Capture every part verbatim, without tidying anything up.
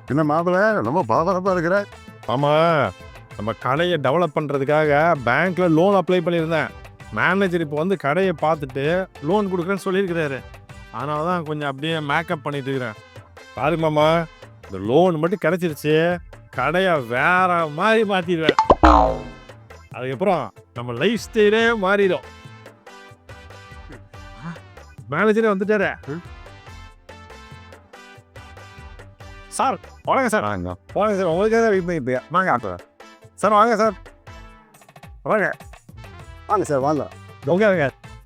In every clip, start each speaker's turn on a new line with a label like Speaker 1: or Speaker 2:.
Speaker 1: என்ன மாப்பிள்ள ரொம்ப பரபரப்பா இருக்கிற?
Speaker 2: ஆமா, நம்ம கடையை டெவலப் பண்ணுறதுக்காக பேங்க்ல லோன் அப்ளை பண்ணியிருந்தேன். மேனேஜர் இப்போ வந்து கடையை பார்த்துட்டு லோன் கொடுக்குறேன்னு சொல்லியிருக்கிறாரு. அதனால தான் கொஞ்சம் அப்படியே மேக்கப் பண்ணிட்டு இருக்கிறேன். பாரு மாமா, இந்த லோன் மட்டும் கிடைச்சிருச்சு, கடையை வேற மாதிரி மாற்றிடுவேன். அதுக்கப்புறம் நம்ம லைஃப் ஸ்டைலே மாறிடும். மேனேஜரே வந்துட்டாரு. சார் வணக்கம் சார்.
Speaker 1: வாங்க
Speaker 2: வாங்க சார், உங்களுக்காக வெயிட் பண்ணிட்டு வாங்க ஆட்டோ சார். வாங்க சார், வாங்க
Speaker 1: வாங்க சார் வாங்க.
Speaker 2: உங்க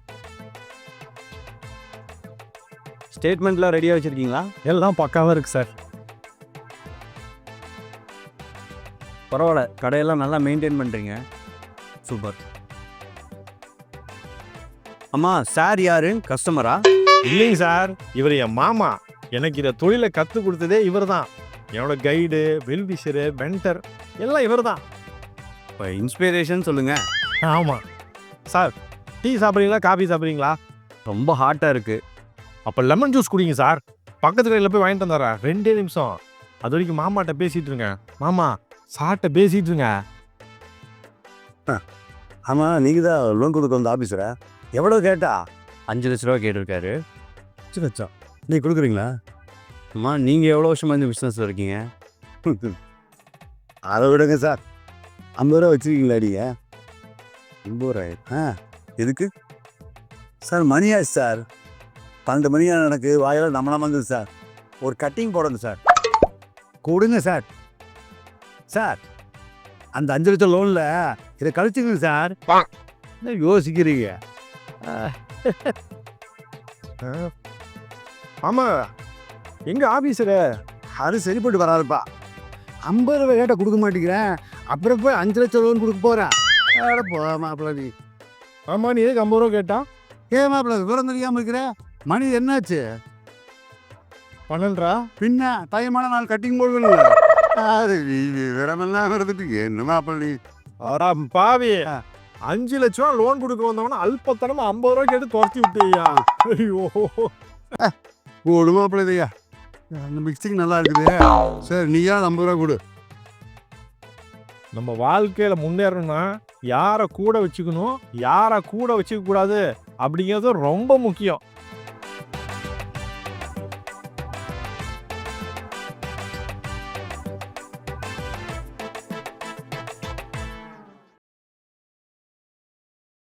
Speaker 3: ஸ்டேட்மெண்ட்லாம் ரெடியாக வச்சுருக்கீங்களா?
Speaker 2: எல்லாம் பக்காவாக இருக்குது சார்.
Speaker 3: பரவாயில்ல, கடையெல்லாம் நல்லா மெயின்டைன் பண்ணுறீங்க. சூப்பர். அம்மா, சார் யாரு? கஸ்டமரா?
Speaker 2: இல்லைங்க சார், இவர் என் மாமா. எனக்கு இதை தொழிலை கற்றுக் கொடுத்ததே இவர் தான். என்னோட கைடு, வெல்விஷரு, மென்டர் எல்லாம் இவர் தான்.
Speaker 3: இப்போ இன்ஸ்பிரேஷன் சொல்லுங்கள்.
Speaker 2: ஆமாம் சார். டீ சாப்பிட்றீங்களா, காஃபி சாப்பிட்றீங்களா?
Speaker 3: ரொம்ப ஹாட்டாக இருக்குது.
Speaker 2: அப்போ லெமன் ஜூஸ் குடிங்க சார். பக்கத்து கடையில் போய் வாங்கிட்டு வந்துடுறேன். ரெண்டே நிமிஷம். அது வரைக்கும் மாமாட்ட பேசிகிட்டு இருங்க. மாமா சார்ட்ட பேசிகிட்டு இருங்க.
Speaker 1: ஆமாம், நீங்கள் தான் லோன் கொடுக்க வந்த ஆஃபீஸரா? எவ்வளோ கேட்டா?
Speaker 3: அஞ்சு லட்ச ரூபா கேட்டிருக்காரு.
Speaker 1: அஞ்சு லட்சம் நீ கொடுக்குறீங்களா?
Speaker 3: அம்மா, நீங்கள் எவ்வளோ வருஷமாக இந்த பிஸ்னஸில் இருக்கீங்க?
Speaker 1: அதை விடுங்க சார். ஐம்பது ரூபா வச்சுருக்கீங்களா நீங்கள்? ஐம்பது ரூபாய் ஆ எதுக்கு சார்? மணி ஆச்சு சார். பன்னெண்டு மணி எனக்கு வாயில் நம்மளா வந்துது சார். ஒரு கட்டிங் போடணும் சார். கொடுங்க சார். சார், அந்த அஞ்சு லட்சம் லோனில் இதை கழிச்சுங்க சார். என்ன யோசிக்கிறீங்க?
Speaker 2: ஆமாம், எங்கள் ஆஃபீஸரு
Speaker 1: அது சரிப்பட்டு வராதுப்பா. ஐம்பது ரூபாய் கேட்டால் கொடுக்க மாட்டேங்கிறேன், அப்புறம் போய் அஞ்சு லட்சம் லோன் கொடுக்க போகிறேன். அட போ மாப்பிள்ள நீ.
Speaker 2: ஆமாம், நீ எதுக்கு ஐம்பது ரூபா கேட்டா?
Speaker 1: ஏன் மாப்பிள்ள விவரம் தெரியாமல் இருக்கிற? மணி என்னாச்சு?
Speaker 2: பன்னெண்டா?
Speaker 1: பின்ன தையமான நாள் கட்டிங் போடுவேன். அது விவரமெல்லாம் இருந்துட்டு என்ன மாப்பிள்ள நீ?
Speaker 2: ஆடா பாவி, அஞ்சு லட்ச ரூபா லோன் கொடுக்க வந்தவன அல்பத்தனமா ஐம்பது ரூபா கேட்டு துரத்தி விட்டியா? ஐயோ,
Speaker 1: கொடு மாப்பிள்ள இதையா. அந்த மிக்சிங் நல்லா இருக்குது. சரி, நீயா ஐம்பது ரூபா கொடு.
Speaker 2: நம்ம வாழ்க்கையில முன்னேறணும்னா யாரை கூட வச்சுக்கணும், யாரை கூட வச்சுக்க கூடாது அப்படிங்கிறது ரொம்ப முக்கியம்.